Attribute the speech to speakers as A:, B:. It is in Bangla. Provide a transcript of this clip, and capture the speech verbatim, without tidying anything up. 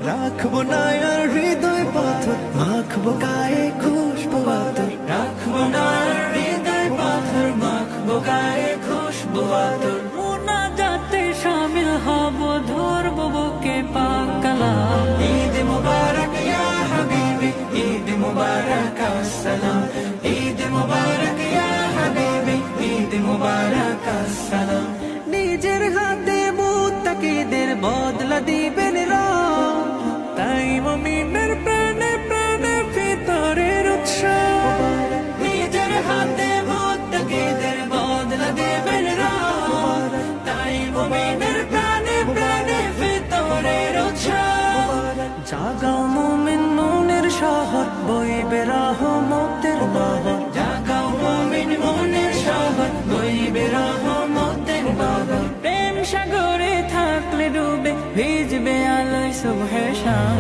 A: রাখবো না আর হৃদয় পাথর, মাখবো গায়ে খুশবু আতর। রাখবো না আর হৃদয় পাথর, মাখবো গায়ে খুশবু আতর।
B: মুনাজাতে শামিল হব, ধরবো বুকে পাক কালাম।
A: ঈদ মুবারক ইয়া হাবিবি, ঈদ মুবারক আসসালাম। ঈদ মুবারক ইয়া হাবিবি, ঈদ মুবারক আসসালাম।
B: নিজের হাতে মুত্তাকিদের বদলা দিবেন রব, তাই মুমিনের প্রাণে প্রাণে ভিতরের উৎসব।
A: নিজের হাতে মুত্তাকিদের বদলা দেবেন রব, তাই মুমিনের প্রাণে প্রাণে ভিতরের উৎসব।
B: জাগাও মুমিন মনের শহর, বইবে রহমতের বাহর।
A: জাগাও মুমিন মনের শহর, বইবে রহমতের বাহর।
B: প্রেম সাগরে থাকলে ডুবে, ভিজবে আলোয় সুবহে শাম।